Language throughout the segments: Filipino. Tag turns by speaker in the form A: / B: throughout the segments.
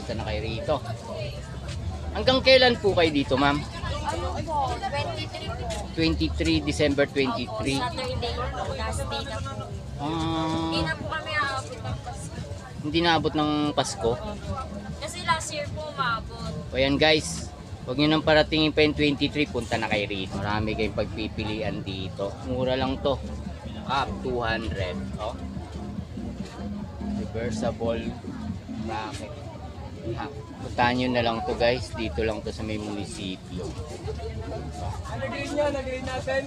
A: punta na kayo rito. Hanggang kailan po kayo dito, ma'am?
B: Ano po? 23 po.
A: 23 December 23.
B: Saturday po. Last day na po. Hindi na po kami aabot ng Pasko.
A: Hindi naabot ng Pasko.
B: Kasi last year po maabot.
A: O yan guys, huwag nyo nang paratingin pa yung 23, punta na kayo rito. Marami kayong pagpipilian dito. Mura lang to. Up 200. Oh. Reversible bracket. Ha. Puntahan nyo na lang to guys. Dito lang to sa may munisipyo.
C: Nag-green niya, nag-green natin.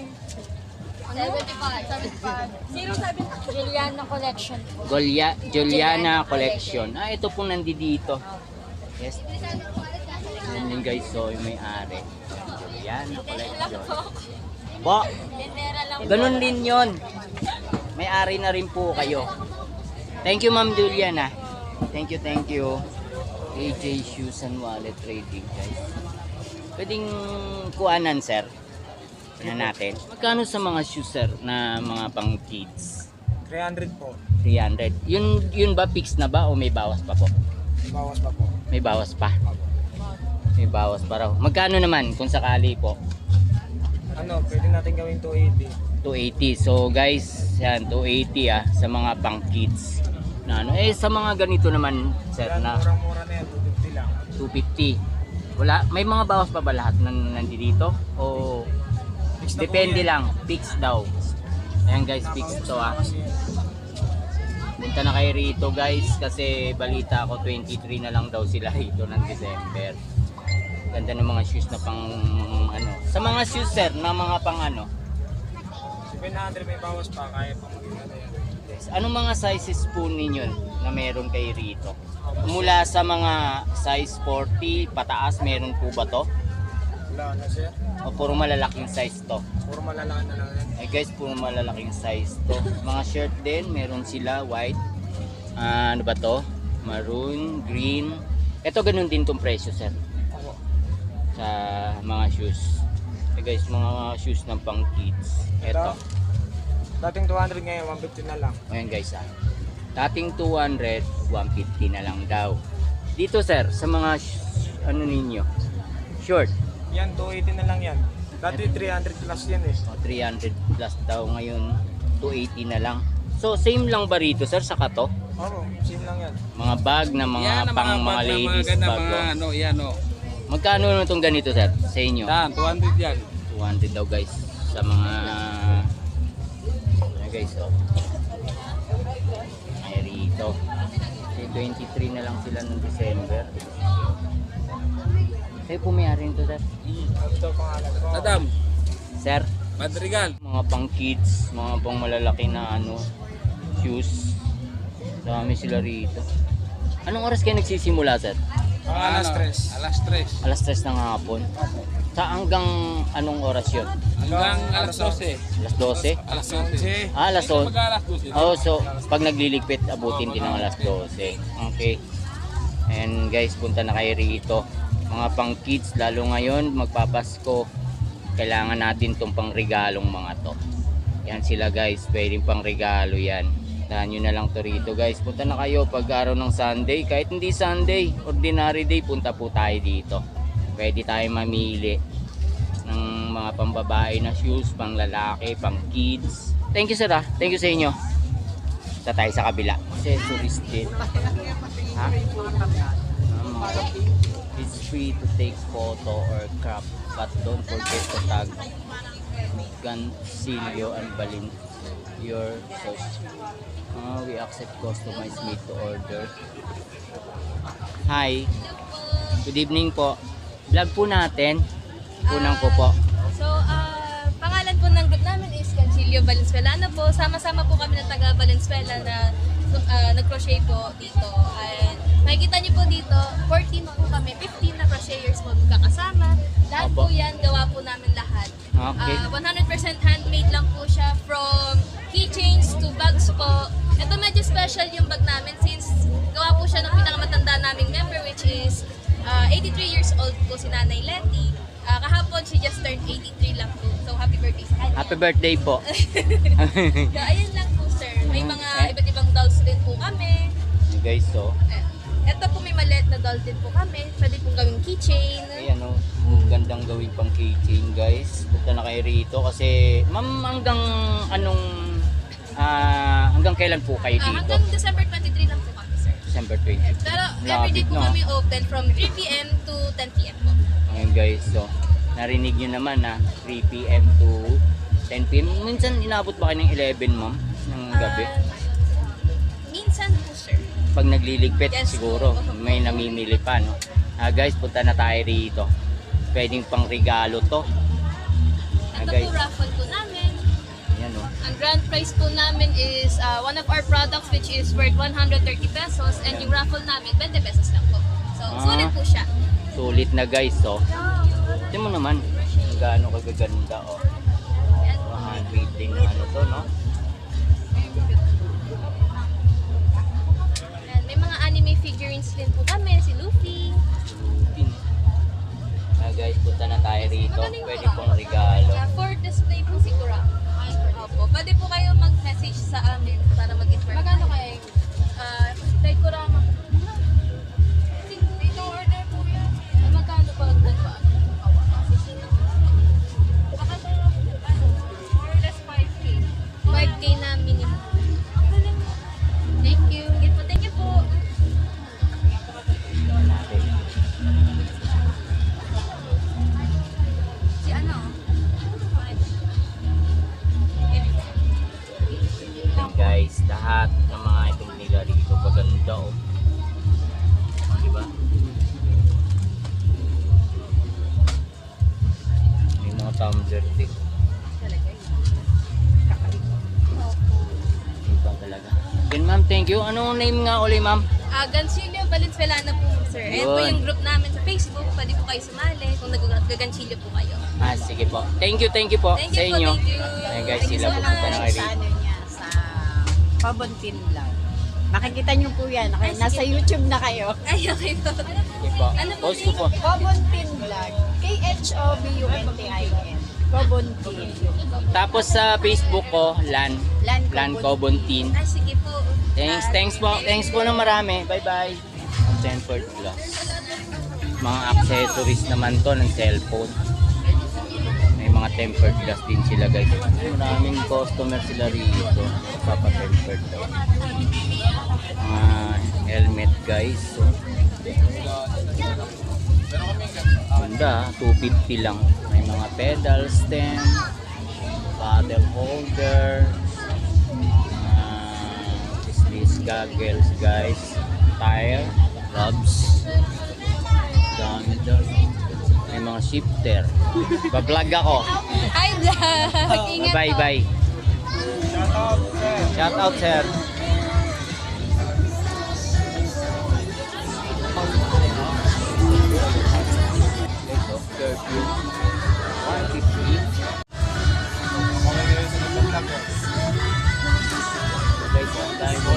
B: 75. 070. Juliana Collection po.
A: Juliana Collection. Ah, ito pong nandito. Yes. Yan yun guys. So, yung may-ari. Juliana Collection. Po,
B: Lindera lang po.
A: ganun din yun. May-ari na rin po kayo. Thank you, Ma'am Juliana. Thank you, thank you. AJ Shoes and Wallet Trading, guys. Pwedeng kuhanan, sir. Tignan natin. Magkano sa mga shoes, sir, na mga pang kids?
C: 300 po.
A: 300. Yun ba fixed na ba o may bawas pa po?
C: Bawas pa po.
A: May bawas pa. May bawas pa raw. Magkano naman kung sakali po?
C: Ano, pwede natin gawing 280.
A: 280. So guys, yan 280 sa mga pang kids. Na ano sa mga ganito naman, sir,
C: Yan,
A: na
C: murang-mura na yan, 250 lang.
A: 250. Wala, may mga bawas pa ba lahat nandito? O
C: Fix na po
A: depende
C: yan.
A: lang, fixed daw. Ayan guys, fixed to
C: Kasi yan.
A: Punta na kayo rito guys kasi balita ko 23 na lang daw sila rito ng December. Ganda ng mga shoes na pang ano. Sa mga shoes sir, na mga pang ano.
C: 700 may bawas pa, kaya pa magiging na yan.
A: Yes. Anong mga sizes po ninyo na meron kayo rito? Mula sa mga size 40 pataas, meron po ba to?
C: Wala na siya.
A: O puro malalaking size to?
C: Puro malalakan na lang yan.
A: Eh guys, puro malalaking size to. Mga shirt din, meron sila white. Ano ba to? Maroon, green. Ito ganun din tong presyo sir.
C: Ako.
A: Sa mga shoes. Eh guys, mga shoes ng pang kids. Ito.
C: Dating 200 ngayon, 150 na lang.
A: Ayan guys dating 200, 150 na lang daw. Dito sir, sa mga ano ninyo? Short.
C: Yan, 280 na lang yan. Dati 300 plus yan eh.
A: O, 300 plus daw ngayon, 280 na lang. So same lang ba rito sir sa kato?
C: Oo, same lang yan.
A: Mga bag na mga
D: Yan ang
A: pang mga
D: bag na
A: ladies
D: ganda,
A: bag.
D: mga
A: Oh.
D: ano, yan o.
A: Magkano na itong ganito sir sa inyo?
D: Yan, 200 yan.
A: 200 daw guys sa mga ayan guys oh. Ay rito. 23 na lang sila ng December. Kayo pumayari nito sir?
C: Ito pangalan ko.
D: Adam,
A: Sir,
D: Madrigal.
A: mga pang kids, mga pang malalaki na ano, shoes. Dami sila rito. Anong oras kayo nagsisimula sir?
C: Alas 3.
D: Alas 3.
A: Alas 3 ng hapon. Sa hanggang anong oras yun?
D: Hanggang alas 12.
A: Alas 12?
D: Alas 11.
A: Ah, alas 12.
D: Mag-alas 12.
A: Oh, so pag nagliligpit, abutin din ng alas 12. Okay. And guys, punta na kayo rito. Mga pang kids, lalo ngayon, magpapasko. Kailangan natin itong pang regalong mga to. Yan sila guys, pwedeng pang regalo yan. Dahan nyo na lang to rito guys. Punta na kayo pag araw ng Sunday. Kahit hindi Sunday, ordinary day, punta po tayo dito. Pwede tayo mamili ng mga pambabae na shoes, pang lalaki, pang kids. Thank you sir ah. Thank you sa inyo. Sa tayo sa kabila. Accessories din. Ha? It's free to take photo or crop, but don't forget to tag Gancilio and Balin your social. We accept customized made to order. Hi. Good evening po. Vlog po natin. Unang ko po.
E: So, pangalan po ng group namin is Gancilio Valenzuelano po. Sama-sama po kami ng taga Valenzuela na nag-crochet po dito. And makikita niyo po dito, 14 po kami, 15 na crocheters po magkakasama. Lahat
A: Opo.
E: po yan, gawa po namin lahat.
A: Okay.
E: 100% handmade lang po siya, from keychains to bags po. Ito medyo special yung bag namin since gawa po siya ng pinakamatanda naming member, which is 83 years old po si Nanay Letty. Kahapon, she just turned 83 lang po. So, happy birthday sa kanya.
A: Happy birthday po.
E: So, ayun lang po, sir. May mga iba't ibang dolls din po kami.
A: Guys, so
E: Ito po may maliit na doll din po kami. Pwede pong gawing keychain.
A: Ayan o, gandang gawin pang keychain guys. Punta na kayo rito kasi ma'am hanggang kailan po kayo dito?
E: Hanggang December 23 lang po kami, sir.
A: December 20.
E: Pero everyday
A: Lapit
E: po
A: na.
E: kami open from 3 p.m. to 10 p.m. po.
A: Ayan guys, so narinig nyo naman 3 p.m. to 10 p.m. Minsan inabot ba kayo ng 11 ma'am? Ng gabi?
E: Minsan po, sir.
A: Pag nagliligpit
E: Yes,
A: siguro
E: po.
A: may namimili pa no. Guys, punta na tayo rito. Pwedeng pang regalo to.
E: Ito
A: Guys,
E: po raffle po namin.
A: ayan o.
E: Ang grand prize po namin is one of our products which is worth 130 pesos and yung raffle namin 20 pesos lang po. So, sulit po siya.
A: Sulit na guys, so. Tingnan mo naman kung gaano kagaganda oh.
E: Yan.
A: Handmade din na ano to, no?
E: Yan. May mga anime figurines din po kami, si Luffy.
A: Lupin. Guys, punta na tayo rito. Pwede pong regalo.
E: For display po siguro. Opo. Pwede po kayo mag-message sa amin para mag-inform. Magkano kaya yung like kurama? Dito order po yan. Magkano pa ang nagpaan? Baka more or less 5K. 5K na minimum. Thank you. Thank you po. Si ano?
A: Ayan guys, lahat ng mga itong nila rito maganda oh. Diba? May mga tumbler din. Iba talaga. Then ma'am, thank you. Anong name nga uli ma'am?
E: Ganchillo Valenzuela po, sir. Ayan po
A: Yun.
E: yung group namin sa Facebook. Pwede po kayo sumali kung nag-ganchillo po kayo.
A: Sige po. Thank you po
E: Thank
A: sa
E: you po,
A: inyo.
E: thank you.
A: Ayan guys,
E: Thank you
A: sila
E: so
A: pupunta na
E: much.
A: kayo
F: Sa
A: rito.
F: ano niya, sa Pabontin Vlog. Makikita niyo po yan. Okay,
E: Ay,
F: nasa
E: sige.
F: YouTube na kayo.
E: Ay, okay po.
A: Sige po.
E: Ano po
A: Post ko po.
F: Pabontin Vlog. KHOBUNTIN. Pabontin.
A: Tapos sa Facebook ko, Lan Cobontin.
E: Ay, sige po.
A: Thanks po na marami. Bye-bye. Stanford Plus. Mga accessories naman to ng cellphone. May mga tempered glass din sila guys. Maraming customer sila rito. Papa-tempered daw. Mga helmet guys. So, ganda, 250 lang. May mga pedal stem, paddle holder, this goggles guys, tire, gloves, dami daw. May mga shifter. Bablog ako.
E: Hi, vlog. Ingat
A: Bye
E: po.
A: bye. Shout out sir. Curfew 150. Guys, ang dami mo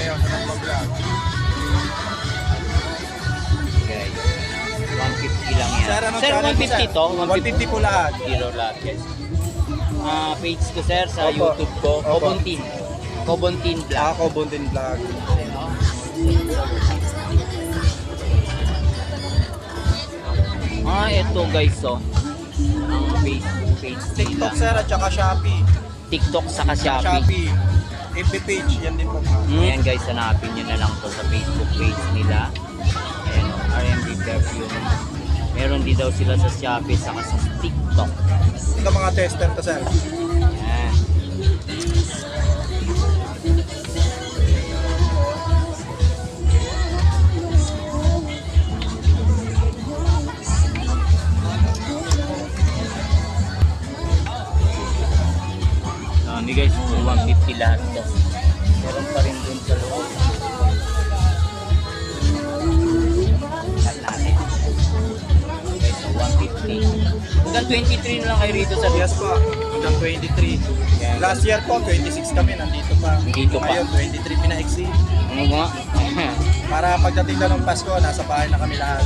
A: guys. 150 lang yan.
C: Sir, anong
A: Sir,
C: channel mo,
A: 150
C: sir?
A: to?
C: 150 po lahat.
A: Zero lahat guys. Page ko sir sa
C: Opo.
A: YouTube ko.
C: Opo.
A: Cobontin Vlog.
C: Ako, Buntin Vlog.
A: Ito guys oh. Ang Facebook page nila.
C: TikTok sir at saka Shopee.
A: TikTok saka Shopee.
C: Shopee. FB page, yan din po.
A: Ayan guys, hanapin nyo na lang to sa Facebook page nila. Ayan, RMB Perfume. Meron din daw sila sa Shopee saka sa TikTok.
C: Ito mga tester to sir.
A: Ayan. Dami guys, 150 lahat to. Meron pa rin dun sa loob. Lahat natin. Guys, so 150. Hanggang 23 na lang kayo rito sa
C: Yes po, hanggang 23.
A: Yan.
C: Last year po, 26 kami, nandito pa.
A: Nandito pa.
C: Ngayon, 23 pinaiksi.
A: Ano nga?
C: Para pagdating na ng Pasko, nasa bahay na kami lahat.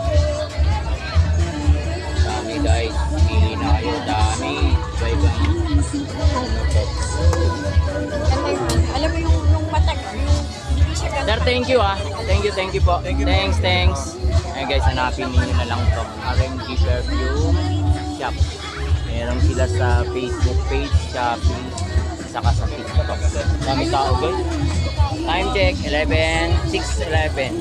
A: Dami guys. Pili na kayo. Dami. Iba-iba.
F: Alam mo yung matag, yung hindi siya ganun.
A: thank you ah. Thank you po. Thanks. Ayun guys, hanapin niyo na lang to. RMG Perfume Shop. Meron sila sa Facebook page, Shopee, saka sa TikTok. Dami tao guys. Time check, 6:11.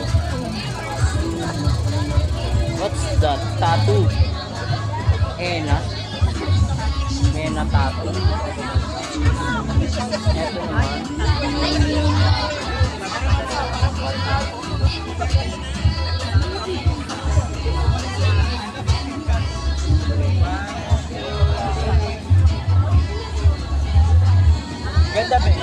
A: What's that? Tattoo. Henna tattoo. Ito naman. Ganda ba?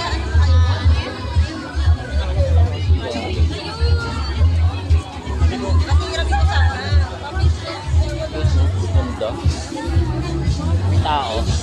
A: Ganda. May tao.